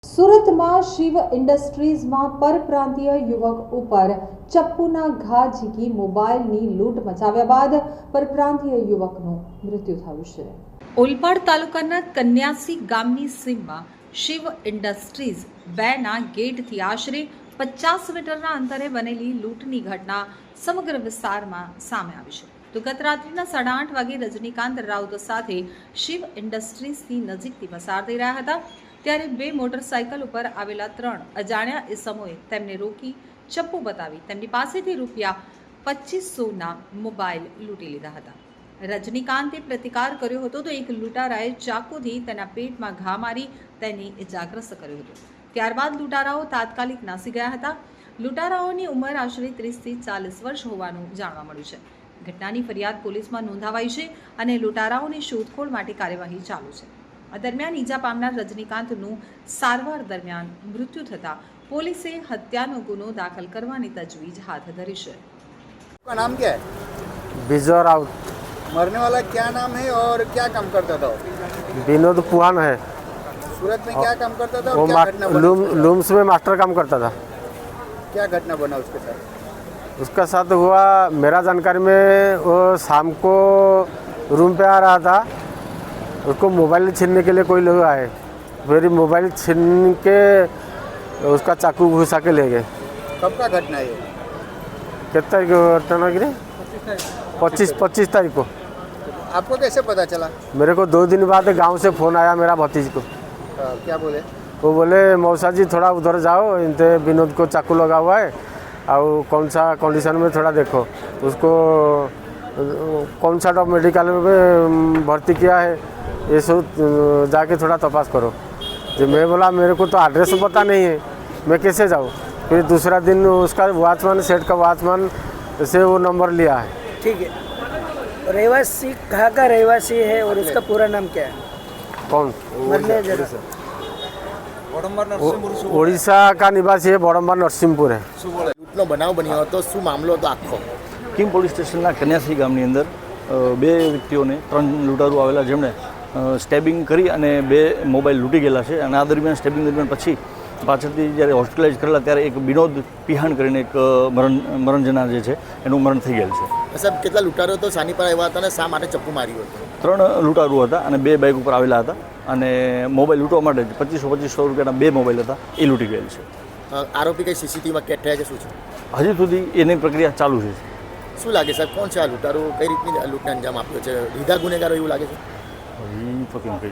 સુરતમાં શિવ ઇન્ડસ્ટ્રીઝમાં પરપ્રાંતીય યુવક ઉપર ચપ્પુના ઘા ઝીકી મોબાઈલની લૂંટ મચાવ્યા બાદ પરપ્રાંતીય યુવકનું મૃત્યુ થયું છે। ઓલપાડ તાલુકાના કન્યાસી ગામની સીમમાં શિવ ઇન્ડસ્ટ્રીઝ 2ના ગેટથી આશરે 50 મીટરના અંતરે બનેલી લૂંટની ઘટના સમગ્ર વિસ્તારમાં સામે આવી છે। તો ગત રાત્રિના 8:30 વાગે રજનીકાંત રાઉત સાથે શિવ ઇન્ડસ્ટ્રીઝથી નજીકથી પસાર થઈ રહ્યા હતા ત્યારે 2 મોટરસાઇકલ ઉપર આવેલા 3 અજાણ્યા ઇસમોએ તેમને રોકી ચપ્પુ બતાવી તેમની પાસેથી ₹2500ના મોબાઈલ લૂંટી લીધા હતા। રજનીકાંતે પ્રતિકાર કર્યો હતો તો એક લૂંટારાએ ચાકુથી તેના પેટમાં ઘા મારી તેને ઇજાગ્રસ્ત કર્યો હતો। ત્યારબાદ લૂંટારાઓ તાત્કાલિક નાસી ગયા હતા। લૂંટારાઓની ઉંમર આશરે 30થી 40 વર્ષ હોવાનું જાણવા મળ્યું છે। ઘટનાની ફરિયાદ પોલીસમાં નોંધાવાઈ છે અને લૂંટારાઓની શોધખોળ માટે કાર્યવાહી ચાલુ છે। આ દરમિયાન ઈજા પામનાર રજનીકાંતનું સારવાર દરમિયાન મૃત્યુ થતાં પોલીસે હત્યાનો ગુનો દાખલ કરવાની તજવીજ હાથ ધરી છે। का नाम क्या है? विजय राउत। मरने वाला क्या नाम है और क्या काम करता था? विनोद पुहान है। सूरत में क्या काम करता था वो और क्या घटना बना? लूम्स में मास्टर काम करता था। क्या घटना बना उसके साथ? उसका साथ हुआ मेरा जानकारी में वो शाम को रूम पे आ रहा था, उसको मोबाइल छीनने के लिए कोई लोग आए, फिर मोबाइल छीन के उसका चाकू घुसा के ले गए। कब का घटना है ये? कितना तारीख को घटना गिरे? 25 तारीख को। आपको कैसे पता चला? मेरे को 2 दिन बाद गांव से फ़ोन आया मेरा भतीज को। क्या बोले? वो बोले मौसा जी थोड़ा उधर जाओ, इनते विनोद को चाकू लगा हुआ है और कौन सा कंडीशन में थोड़ा देखो, उसको कौन सा डॉक्टर मेडिकल में भर्ती किया है ये सब जाके थोड़ा तपास करो। जो मैं बोला मेरे को तो एड्रेस पता नहीं है, मैं कैसे जाऊँ। फिर दूसरा दिन उसका वॉचमैन सेट का वॉचमैन से वो नंबर लिया है। ठीक है। रहवासी कहाँ का रहवासी है और उसका पूरा नाम क्या है? कौन? मरने जरा ओडिशा का निवासी है, बड़म्बर नरसिंहपुर है। લૂંટનો બનાવ બન્યો હતો, શું મામલો હતો આખો? કિમ પોલીસ સ્ટેશનના કન્યાસી ગામની અંદર 2 વ્યક્તિઓને 3 લૂંટારૂ આવેલા જેમણે સ્ટેબિંગ કરી અને 2 મોબાઈલ લૂંટી ગયેલા છે અને આ દરમિયાન સ્ટેબિંગ દરમિયાન પછી પાછળથી જ્યારે હોસ્પિટલાઇઝ કરેલા ત્યારે એક વિનોદ પિહાણ કરીને એક મરણજના જે છે એનું મરણ થઈ ગયેલ છે। સાહેબ કેટલા લૂંટારો તો સાની પર આવ્યા હતા અને શા માટે ચપ્પુ માર્યું હતું? 3 લૂંટારૂ હતા અને 2 બાઇક ઉપર આવેલા હતા અને મોબાઈલ લૂંટવા માટે 2500 રૂપિયાના 2 મોબાઈલ હતા એ લૂંટી ગયેલ છે। આરોપી કઈ સીસીટીવીમાં કેદ થયા છે શું છે? હજી સુધી એની પ્રક્રિયા ચાલુ છે। શું લાગે સાહેબ કોણ છે આ લૂંટારો? કઈ રીતની લૂંટને અંજામ આપ્યો છે? લીધા ગુનેગારો એવું લાગે છે? હજી તો કેમ કહી